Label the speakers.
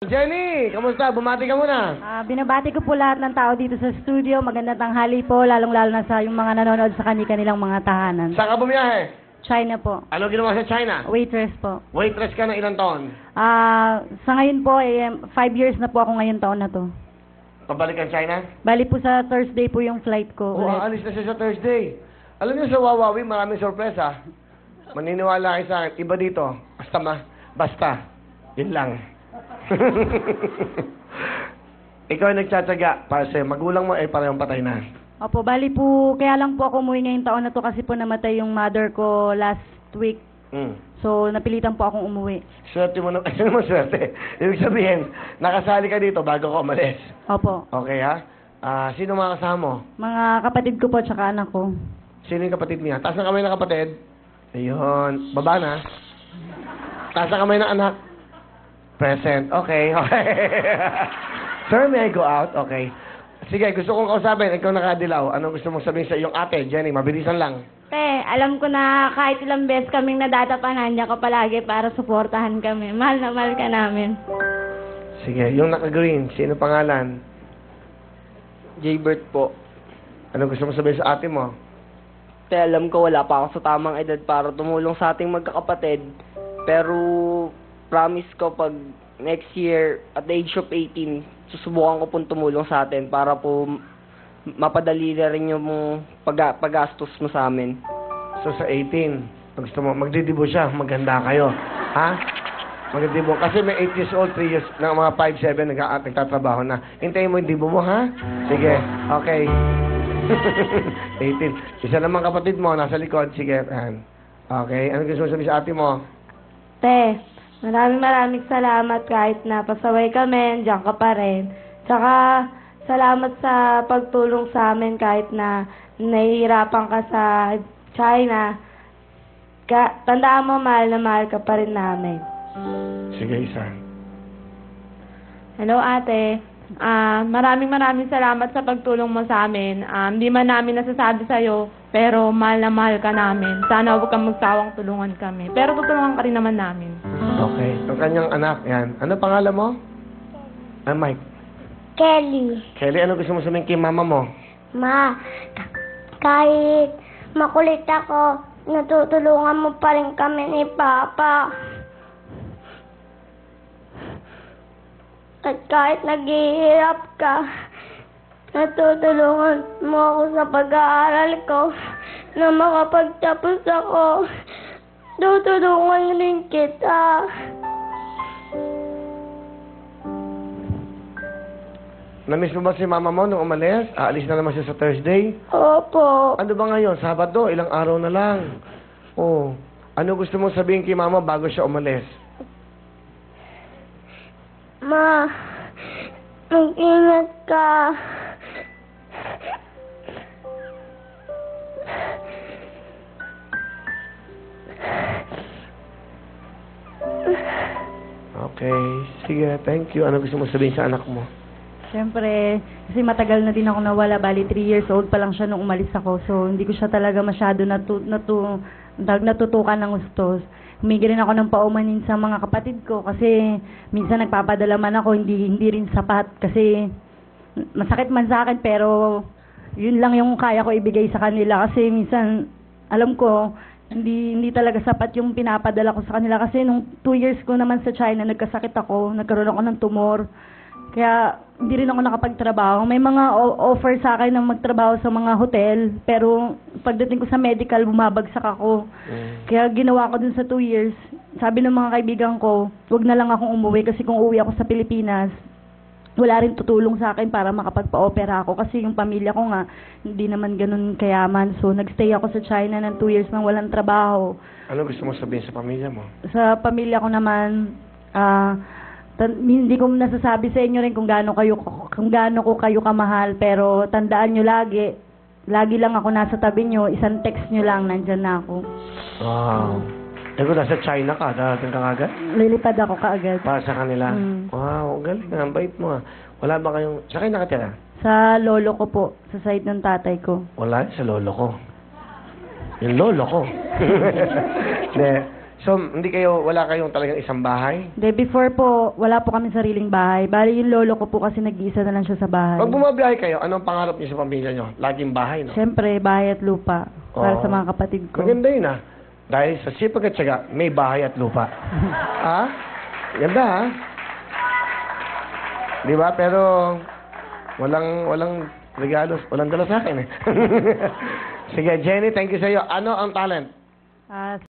Speaker 1: Jenny, kamusta? Bumati ka muna.
Speaker 2: Binabati ko po lahat ng tao dito sa studio. Magandang tanghali po, lalong-lalo na sa yung mga nanonood sa kanilang mga tahanan.
Speaker 1: Saan ka bumiyahe?
Speaker 2: China po.
Speaker 1: Ano ginawa sa China?
Speaker 2: Waitress po.
Speaker 1: Waitress ka na ilang taon?
Speaker 2: Sa ngayon po, 5 years na po ako ngayon taon na to.
Speaker 1: Pabalik ang China?
Speaker 2: Bali po sa Thursday po yung flight ko.
Speaker 1: Oo, aalis na siya sa Thursday. Alam niyo sa Wawawi, maraming sorpresa. Maniniwala kayo sa akin. Iba dito. Basta. Yun lang. Ikaw ay nagtsatsaga para sa'yo. Magulang mo ay parehong patay na.
Speaker 2: Opo, bali po, kaya lang po ako umuwi ngayong taon na to kasi po namatay yung mother ko last week. So, napilitan po akong umuwi.
Speaker 1: Swerte mo na. Ano naman swerte? Ibig sabihin, nakasali ka dito bago ka umalis.
Speaker 2: Opo.
Speaker 1: Okay, ha? Sino mga kasama mo?
Speaker 2: Mga kapatid ko po tsaka anak ko.
Speaker 1: Sino yung kapatid niya? Taas na kamay ng kapatid. Ayun. Baba na. Taas na kamay ng anak. Present. Okay. Sir, may I go out? Okay. Sige, gusto kong kausapin. Ikaw nakadilaw. Anong gusto mong sabihin sa iyong ate, Jenny? Mabilisan lang.
Speaker 3: Alam ko na kahit ilang beses kaming nadatapanan niya ka palagi para suportahan kami. Mahal na mahal ka namin.
Speaker 1: Sige, yung naka-green, sino pangalan?
Speaker 4: Jaybert po.
Speaker 1: Anong gusto mong sabihin sa ate mo?
Speaker 4: Alam ko wala pa ako sa tamang edad para tumulong sa ating magkakapatid. Pero promise ko pag next year at the age of 18, susubukan ko pong tumulong sa atin para po mapadali na rin yung paggastos mo sa amin.
Speaker 1: So sa 18, gusto mo, magdidibo siya, maganda kayo. Ha? Magdidibo. Kasi may 8 years old, 3 years, na mga 5, 7, nagtatrabaho na. Hintayin mo yung dibo mo, ha? Sige, okay. 18. Isa naman kapatid mo, nasa likod. Sige, yan. Okay, ano gusto mo sabihin sa ate mo?
Speaker 3: Maraming salamat kahit na pasaway kami, diyan ka pa rin. Tsaka, salamat sa pagtulong sa amin kahit na nahihirapan ka sa China. Tandaan mo, mahal na mahal ka pa rin namin.
Speaker 1: Sige, isa.
Speaker 5: Hello, ate. Maraming salamat sa pagtulong mo sa amin. Hindi man namin nasasabi sa'yo, pero mahal na mahal ka namin. Sana huwag kang magsawang tulungan kami. Pero tutulungan ka rin naman namin.
Speaker 1: Okay. Ang kanyang anak, yan. Ano pangalan mo? Mike.
Speaker 6: Kelly.
Speaker 1: Kelly, ano gusto mo sabihin kay mama mo?
Speaker 6: Ma, kahit makulit ako, natutulungan mo pa rin kami ni Papa. At kahit naghihirap ka, natutulungan mo ako sa pag-aaral ko na makapagtapos ako. Tutulungan rin kita.
Speaker 1: Namiss mo ba si mama mo nung umalis? Aalis na naman siya sa Thursday?
Speaker 6: Opo.
Speaker 1: Ano ba ngayon? Sabado? Ilang araw na lang. Oh. Ano gusto mong sabihin kay mama bago siya umalis?
Speaker 6: Ma, mag-ingat ka.
Speaker 1: Okay. Sige, thank you. Ano gusto mong sabihin sa anak mo?
Speaker 2: Siyempre, kasi matagal na din ako nawala. Bali, 3 years old pa lang siya nung umalis ako. So, hindi ko siya talaga masyado natutukan ng gustos. Humingi rin ako ng paumanin sa mga kapatid ko kasi minsan nagpapadala man ako, hindi rin sapat. Kasi masakit man sa akin, pero yun lang yung kaya ko ibigay sa kanila. Kasi minsan, alam ko, hindi talaga sapat yung pinapadala ko sa kanila. Kasi nung 2 years ko naman sa China, nagkasakit ako, nagkaroon ako ng tumor. Kaya hindi rin ako nakapagtrabaho. May mga offer sa akin na magtrabaho sa mga hotel, pero pagdating ko sa medical, bumabagsak ako. Kaya ginawa ko dun sa 2 years. Sabi ng mga kaibigan ko, wag na lang akong umuwi kasi kung uwi ako sa Pilipinas, wala rin tutulong sa akin para makapagpa-opera ako kasi yung pamilya ko nga, hindi naman ganun kayaman. So, nagstay ako sa China ng 2 years nang walang trabaho.
Speaker 1: Ano gusto mo sabihin sa pamilya mo?
Speaker 2: Sa pamilya ko naman, hindi ko nasasabi sa inyo rin kung gaano ko kayo kamahal, pero tandaan nyo lagi lang ako nasa tabi nyo, isang text nyo lang, nandyan na ako.
Speaker 1: Wow. Kung nasa China ka, darating ka agad?
Speaker 2: Lilipad ako kaagad.
Speaker 1: Para sa kanila? Wow, galing nga, ang bait mo. Sa kayo nakatira?
Speaker 2: Sa lolo ko po, sa side ng tatay ko.
Speaker 1: Wala, sa lolo ko. Yung lolo ko. Hindi. So, wala kayong talagang isang bahay?
Speaker 2: De, before po, wala po kami sariling bahay. Bali, yung lolo ko po kasi nag-iisa na lang siya sa bahay.
Speaker 1: Pag bumabiyahe kayo, anong pangarap niyo sa pamilya niyo? Laging bahay, no?
Speaker 2: Siyempre, bahay at lupa para
Speaker 1: Oo.
Speaker 2: sa mga kapatid ko.
Speaker 1: Maganda yun, ah. Dahil sa sipag at syaga, may bahay at lupa. Ha? Ganda, ha? Di ba? Pero, walang regalo, walang dala sa akin, eh. Sige, Jenny, thank you sa iyo. Ano ang talent?
Speaker 2: Ah,